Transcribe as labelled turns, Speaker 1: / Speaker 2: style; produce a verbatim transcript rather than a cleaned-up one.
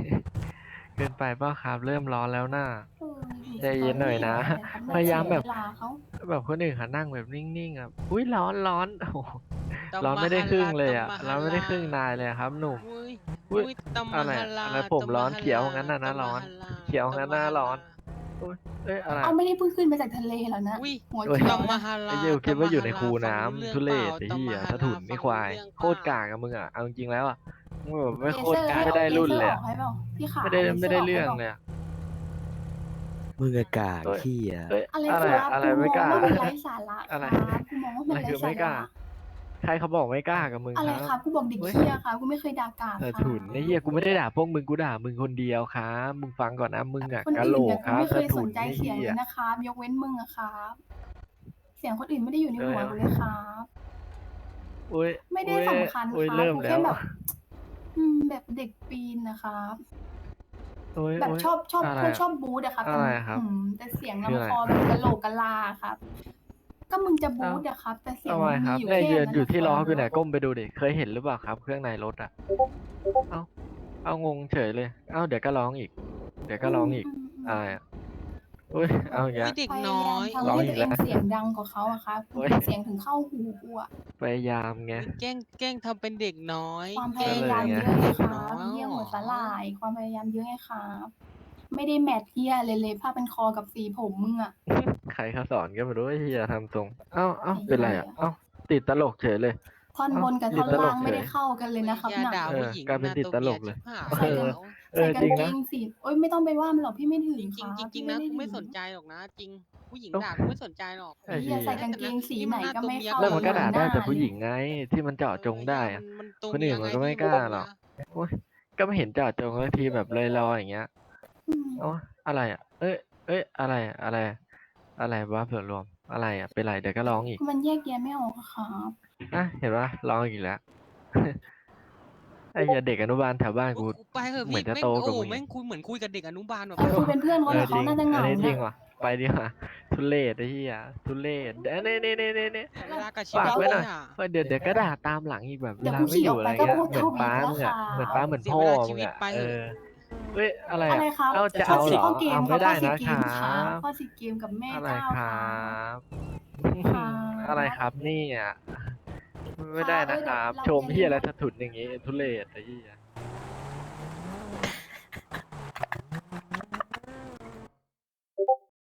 Speaker 1: เกินไปเปล่าครับเริ่มร้อนแล้วน่า
Speaker 2: เอออยู่
Speaker 1: ใจ
Speaker 2: สตอ
Speaker 1: เย็นหน่อยนะ
Speaker 2: รี่อะไรครับ
Speaker 1: พยายาม
Speaker 2: เสียเว
Speaker 1: แบบ
Speaker 2: ลาเขา
Speaker 1: แบบคนอื่นเขานั่งแบบนิ่งๆอ่ะอุ้ยร้อนร้อนโอ้โห
Speaker 3: ต
Speaker 1: ร้อน
Speaker 3: ม
Speaker 1: ไม่ได้
Speaker 3: หาลาต
Speaker 1: ครึ่งเลยอ่ะ
Speaker 3: มหา
Speaker 1: ร้อนไม่ได้
Speaker 3: ลา
Speaker 1: ครึ่งนายเลยครับหนุ่ม
Speaker 3: อุ้ย
Speaker 1: อุ้ย
Speaker 3: อุ้ยตม
Speaker 1: อะไร
Speaker 3: หาลา
Speaker 1: อะไรผม
Speaker 3: ตม
Speaker 1: ร้อน
Speaker 3: หา
Speaker 1: เขียว
Speaker 3: ลา
Speaker 1: งั้นน่ะ
Speaker 3: ต
Speaker 1: นะ
Speaker 3: ม
Speaker 1: ร้อน
Speaker 3: หาลา
Speaker 1: เขียว
Speaker 3: ต
Speaker 1: งั้น
Speaker 3: มหาลา
Speaker 1: น่ะร้อนอุ้ยเอ้ยอะไร
Speaker 2: เอาไม่ได้เพิ่งขึ้นมาจากทะเลแล้วนะ
Speaker 3: อุ้ย
Speaker 2: หัว
Speaker 1: เอ้ย
Speaker 2: เขีย
Speaker 3: ต
Speaker 2: ว
Speaker 3: ม
Speaker 2: นะ
Speaker 3: หา
Speaker 1: ไอ้
Speaker 3: ลา
Speaker 1: เหี้ยกู
Speaker 3: ต
Speaker 1: คิด
Speaker 3: ม
Speaker 1: ว่าอยู่
Speaker 3: หา
Speaker 1: ใน
Speaker 3: ลา
Speaker 1: คู
Speaker 3: ฟังรู้เรื่
Speaker 1: น้ำ
Speaker 3: อง
Speaker 1: ทุ
Speaker 3: เป
Speaker 1: เร
Speaker 3: ล่า
Speaker 1: ศไอ้
Speaker 3: ตม
Speaker 1: เหี้ย
Speaker 3: หา
Speaker 1: สะ
Speaker 3: ลา
Speaker 1: ถุน
Speaker 3: ฟั
Speaker 1: นี่
Speaker 3: ง
Speaker 1: ควา
Speaker 3: รู้
Speaker 1: ย
Speaker 3: เรื่องเป
Speaker 1: โคตร
Speaker 3: ล่า
Speaker 1: กากอะมึงอะเอาจริงๆแล้วอะมึงแบบไม่โคตร
Speaker 2: เลเซอร์ให้
Speaker 1: ไม่ได้
Speaker 2: เล
Speaker 1: รุ่น
Speaker 2: เซอ
Speaker 1: เลยอะ
Speaker 2: ร์ออกให้เปล่าพี่ขา
Speaker 1: ไม่ได้
Speaker 2: เลเซ
Speaker 1: ไม่
Speaker 2: อร์
Speaker 1: ได้
Speaker 2: ออกให้
Speaker 1: เรื่อง
Speaker 2: เปล่า
Speaker 1: เลยอะ
Speaker 4: มึงอะกาก
Speaker 1: เอ้ย
Speaker 4: เหี้ย
Speaker 1: เอ้ย
Speaker 2: อะไร
Speaker 1: อะไร
Speaker 2: ครับ
Speaker 1: อะไร
Speaker 2: กู
Speaker 1: ไม่
Speaker 2: ม
Speaker 1: ก
Speaker 2: อง
Speaker 1: ล้า
Speaker 2: ว่ามันไร้สาระค
Speaker 1: อะไร
Speaker 2: รับกูมองว่า
Speaker 1: อะ
Speaker 2: มัน
Speaker 1: ไร
Speaker 2: ไร้
Speaker 1: คือ
Speaker 2: สา
Speaker 1: ไม่กล้า
Speaker 2: ระ
Speaker 1: ใครเขาบอกไม่กล้ากับมึง
Speaker 2: อะไร
Speaker 1: ค
Speaker 2: ค
Speaker 1: รั
Speaker 2: รับ บกูบอกเด็ก
Speaker 1: เฮ้ย
Speaker 2: เหี้ยครับกูไม่เคยด่ากราบ
Speaker 1: สะ
Speaker 2: ครั
Speaker 1: ถุนไอ้เหี้ย
Speaker 2: บ
Speaker 1: กูไม่ได้ด่าพวกมึง กูด่ามึงคนเดียวครับ มึงฟังก่อนนะ มึงอะ
Speaker 2: คน
Speaker 1: กะ
Speaker 2: อื่
Speaker 1: โหล
Speaker 2: นน่ะ
Speaker 1: ก
Speaker 2: กู
Speaker 1: ครับ
Speaker 2: ไม่เค
Speaker 1: สะ
Speaker 2: ย
Speaker 1: ถ
Speaker 2: สุ
Speaker 1: น
Speaker 2: นใจ
Speaker 1: ไอ้
Speaker 2: เสียง
Speaker 1: เหี้
Speaker 2: เลย ยนะครับ ยกเว้นมึงอะครับ เสียงคนอื่นไม่ได้อยู่ใน
Speaker 1: เอ
Speaker 2: หัว
Speaker 1: อ
Speaker 2: กูเลยครับ
Speaker 1: อุ๊ย
Speaker 2: ไม่ไ
Speaker 1: อ
Speaker 2: ด้
Speaker 1: ุ๊ย
Speaker 2: สำคัญ
Speaker 1: อุ๊ย
Speaker 2: ครั
Speaker 1: เร
Speaker 2: บ
Speaker 1: ิ่ม
Speaker 2: กู
Speaker 1: แล
Speaker 2: แค่
Speaker 1: ้ว
Speaker 2: แบบ อืม แบบเด็กปีนน่ะครับ
Speaker 1: อุ๊ย
Speaker 2: แบบชอบ ชอบ
Speaker 1: อะไร
Speaker 2: พวก
Speaker 1: อะ
Speaker 2: ชอบบูตอะครับ
Speaker 1: อะ
Speaker 2: แต่
Speaker 1: ไร
Speaker 2: ม
Speaker 1: อะครั
Speaker 2: อื
Speaker 1: บ
Speaker 2: ม แต่เสียง
Speaker 1: คืออะ
Speaker 2: ลำ
Speaker 1: ไร
Speaker 2: คอแบบกะโหลกกะลาอะครับ ก็มึงจะบ
Speaker 1: อ้า
Speaker 2: ู
Speaker 1: ว
Speaker 2: ตอะครับ แต่เสี
Speaker 1: ทำ
Speaker 2: ยง
Speaker 1: ไมค
Speaker 2: ม
Speaker 1: รั
Speaker 2: ี
Speaker 1: บ
Speaker 2: อยู่
Speaker 1: เนี่ย
Speaker 2: แค่
Speaker 1: ยืน
Speaker 2: นั้น
Speaker 1: อยู่
Speaker 2: น่ะ
Speaker 1: ที่
Speaker 2: ค
Speaker 1: ล้
Speaker 2: ร
Speaker 1: อักูเนี่ย
Speaker 2: บ
Speaker 1: ก้มไปดูดิ เคยเห็นหรือเปล่าครับ เครื่องในรถอะ อ้าว อ้าว งงเฉยเลย อ้าว เดี๋ยวก็ร้องอีก เดี๋ยวก็ร้องอีก
Speaker 2: อืม
Speaker 1: อะไรอะ
Speaker 2: ๆ
Speaker 1: อุ๊ย
Speaker 2: ๆ แบ
Speaker 1: เอา
Speaker 2: บ
Speaker 1: อีก
Speaker 3: อุ
Speaker 1: แ
Speaker 3: ๊
Speaker 1: ล้
Speaker 3: ย
Speaker 1: ว
Speaker 3: เด็ก
Speaker 2: พยา
Speaker 3: น้
Speaker 2: ยา
Speaker 3: อ
Speaker 2: ม
Speaker 3: ย
Speaker 2: ทำ
Speaker 1: ร้อ
Speaker 2: ใ
Speaker 1: งอ
Speaker 2: ห้ตีั
Speaker 1: ก
Speaker 2: วเ
Speaker 1: แ
Speaker 2: อ
Speaker 1: ล้ว
Speaker 2: งเสียงดังกว่าเขาอะครับ
Speaker 1: โอ๊ย
Speaker 2: เสียงถึงเข้าหูกูอะ
Speaker 1: พยายามไง
Speaker 3: อุ๊ย แกล้ง แกล้งทำเป็นเด็กน้อย
Speaker 2: ความพ
Speaker 3: แกล้
Speaker 2: ยาง
Speaker 3: ทำ
Speaker 2: ยาม
Speaker 3: เป็น
Speaker 2: เยอะ ไง
Speaker 3: เด็ก
Speaker 2: ครั
Speaker 3: น้อบ ย
Speaker 2: เหี้ย
Speaker 3: เหรอ?
Speaker 2: หัวสาหร่าย ความพยายามเยอะไงครับ ไม่ได้แมตช์เหี้ยอะไรเลย ผ้าพันคอกับสีผมมึงอะ
Speaker 1: ใครเขาสอนก็ไม่รู้ไอ้เหี้ยทำทรง อ้าว อ้า
Speaker 2: ไอ
Speaker 1: ว
Speaker 2: ้
Speaker 1: เป็น
Speaker 2: เห
Speaker 1: ไร
Speaker 2: ี
Speaker 1: อะ
Speaker 2: ้ย
Speaker 1: อ้าว ติดตลกเฉยเลย
Speaker 2: ท่อน
Speaker 1: อ้าว
Speaker 2: บนกับ
Speaker 1: ต
Speaker 2: ท่
Speaker 1: ิ
Speaker 2: อน ล
Speaker 1: ดตล่
Speaker 2: าก ง
Speaker 1: กเ
Speaker 2: ไม่
Speaker 1: ฉย
Speaker 2: ได้เข้ากันเลยนะครั
Speaker 3: ไอ้
Speaker 2: บ
Speaker 3: เหี้ย
Speaker 2: น่ะ
Speaker 3: ด่า
Speaker 1: เออ
Speaker 3: ผู้หญิง
Speaker 1: กลายเป็น
Speaker 3: น่า
Speaker 1: ติด
Speaker 3: ตัว
Speaker 1: ต
Speaker 3: เม
Speaker 1: ลี
Speaker 3: ย
Speaker 1: กเล
Speaker 3: ชิ
Speaker 1: ย
Speaker 3: บหาย
Speaker 1: เออ
Speaker 3: แล้ว
Speaker 1: เออ
Speaker 2: ใส่กา
Speaker 1: จริ
Speaker 2: ง
Speaker 1: ง
Speaker 2: เก
Speaker 1: นะ
Speaker 2: งสี โอ๊ย ไม่ต้องไปว่ามันหรอก พี่ไม่ถึง
Speaker 3: จ
Speaker 2: ค
Speaker 3: จริง
Speaker 2: รับ
Speaker 3: จริ
Speaker 2: พี่
Speaker 3: ง
Speaker 2: ไม
Speaker 3: ๆ
Speaker 2: ่
Speaker 3: นะ
Speaker 2: ได้ถ
Speaker 3: กูไม่
Speaker 2: ึง
Speaker 3: สนใจหรอกนะ จริง ผู้หญิง
Speaker 1: โอ้
Speaker 3: ด่ากูไม่สนใจหรอก
Speaker 1: ไอ้
Speaker 2: ไอ้เหี้
Speaker 1: เหี้
Speaker 2: ย ใส่
Speaker 1: ย
Speaker 2: กาง
Speaker 3: แต่
Speaker 2: เก
Speaker 3: นะ
Speaker 2: งสี
Speaker 3: นี่
Speaker 2: ไห
Speaker 3: มัน นหน้า
Speaker 2: ก็
Speaker 3: ตัว
Speaker 2: ไม่
Speaker 3: เมีย
Speaker 2: เข้า
Speaker 1: แล้ว
Speaker 3: เกิ
Speaker 1: มัน
Speaker 2: เห
Speaker 1: ก็
Speaker 2: มือน
Speaker 1: ด่า
Speaker 2: ห
Speaker 1: ได
Speaker 2: น้
Speaker 1: ้
Speaker 2: า
Speaker 1: แต่ผู้
Speaker 2: เล
Speaker 1: หญิ
Speaker 2: ย
Speaker 1: งไง ที่มันเจาะ
Speaker 3: เออ
Speaker 1: จง
Speaker 3: ไอ้
Speaker 1: ได
Speaker 3: เหี้ย
Speaker 1: อ
Speaker 3: มัน มันตัว
Speaker 1: คน
Speaker 3: เมี
Speaker 1: อื่
Speaker 3: ย
Speaker 1: นมั
Speaker 3: ไง
Speaker 1: นก็ไม่
Speaker 3: พี่
Speaker 1: ก
Speaker 3: มัน
Speaker 1: ล้า
Speaker 3: ตัวเ
Speaker 1: หรอก
Speaker 3: มีย
Speaker 1: โอ๊ย ก็ไม่เห็นเจาะจงสักทีแบบลอย ๆ อย่างเงี้ย
Speaker 2: อืม
Speaker 1: โอ๊ย อะไรอะ เอ๊ย เอ๊ย อะไรอะ อะไร อะไรวะ ส่วนรวม อะไรอะ เป็นไร เดี๋ยวก็ร้องอีก
Speaker 2: มันแยกแยะไม่ออกอะครับ
Speaker 1: อะ เห็นเปล่า ร้องอีกแล้ว ไอ้เหี้ย เด็กอนุบาลแถวบ้าน
Speaker 3: โอ๊
Speaker 1: กู
Speaker 3: ย ไปเถอะ
Speaker 1: เหม
Speaker 3: พื
Speaker 1: ื
Speaker 3: ี่
Speaker 1: อนจะ
Speaker 3: แม่
Speaker 1: โต
Speaker 3: ง โอ
Speaker 1: กว่า
Speaker 3: ้
Speaker 1: มึง
Speaker 3: แม
Speaker 1: อ่ีก
Speaker 3: งคุยเหมือนคุยกับเด็กอนุบาลแบบ
Speaker 2: ไป คุยเป็นเพื่อนเขา
Speaker 1: เอ
Speaker 2: เดี๋
Speaker 1: อ
Speaker 2: ยว
Speaker 1: จ
Speaker 2: เขา
Speaker 1: ริง
Speaker 2: น่าจะเห
Speaker 1: อัน
Speaker 2: งา
Speaker 1: นี้จริ
Speaker 2: น่
Speaker 1: ง
Speaker 2: ะ
Speaker 1: ว่ะ ไปดีกว่า ทุเรศไอ้เหี้ย ทุเรศ เด นี่ ๆ ๆ ๆ
Speaker 3: เสียเวลากับชี
Speaker 1: ๆ ฝา
Speaker 3: วิ
Speaker 1: ก
Speaker 3: ต
Speaker 1: ไว้หน่อย
Speaker 3: เนี่ย
Speaker 1: เออ เดี๋ยว เดี๋ยวก็ด่าตามหลังอีกแบบ
Speaker 2: เด
Speaker 1: เวี
Speaker 2: ๋ยว
Speaker 1: ลา
Speaker 2: กู
Speaker 1: ไม
Speaker 2: ข่ี่
Speaker 1: อยู
Speaker 2: อ่อก
Speaker 1: อะ
Speaker 2: ไป
Speaker 1: ไร
Speaker 2: ก็
Speaker 1: เงี้ย
Speaker 2: พูด
Speaker 1: เหมื
Speaker 2: ท
Speaker 1: อน
Speaker 2: ว
Speaker 1: ป๊
Speaker 2: ี
Speaker 1: า
Speaker 2: ตแล้
Speaker 1: ม
Speaker 2: ว
Speaker 1: ึง
Speaker 2: ค
Speaker 1: อะ
Speaker 2: รั
Speaker 1: เหมือนป๊า
Speaker 2: บ
Speaker 1: เหมือน
Speaker 3: เสีย
Speaker 1: พ่อ
Speaker 3: เวลาช
Speaker 1: มึ
Speaker 3: ี
Speaker 1: ง
Speaker 3: วิต
Speaker 1: อะ
Speaker 3: ไป
Speaker 1: เออ เฮ้ย อะไร
Speaker 2: อะ
Speaker 1: อะ
Speaker 2: ไรครับ
Speaker 1: อ้าว จะ
Speaker 2: ข้
Speaker 1: เ
Speaker 2: อ
Speaker 1: อา
Speaker 2: สิ
Speaker 1: เหรอ?
Speaker 2: ข้อเก
Speaker 1: อ้า
Speaker 2: ม
Speaker 1: ว
Speaker 2: ค
Speaker 1: ไม่
Speaker 2: รับ
Speaker 1: ไ
Speaker 2: ข
Speaker 1: ด้
Speaker 2: ้อ สิ
Speaker 1: นะ
Speaker 2: เก
Speaker 1: คร
Speaker 2: ม
Speaker 1: ั
Speaker 2: ครับ
Speaker 1: บ
Speaker 2: ข้อ สิ เกมกับแม่
Speaker 1: อะไร
Speaker 2: เก้า
Speaker 1: คร
Speaker 2: คัรับ
Speaker 1: บ
Speaker 2: ครั
Speaker 1: อะไรค
Speaker 2: บ
Speaker 1: รับเนี่ย ไม
Speaker 2: ค่ร
Speaker 1: ได้
Speaker 2: ับ เ
Speaker 1: น
Speaker 2: อ
Speaker 1: ะ
Speaker 2: อ เ
Speaker 1: ค
Speaker 2: ดี๋ยว
Speaker 1: รับ
Speaker 2: เรา
Speaker 1: ชม
Speaker 2: อย่า
Speaker 1: เหี
Speaker 2: ลื
Speaker 1: ้ย
Speaker 2: ม
Speaker 1: อะไร
Speaker 2: ว่า
Speaker 1: สะถุนอย่างงี้ ทุเรศไอ้เหี้ย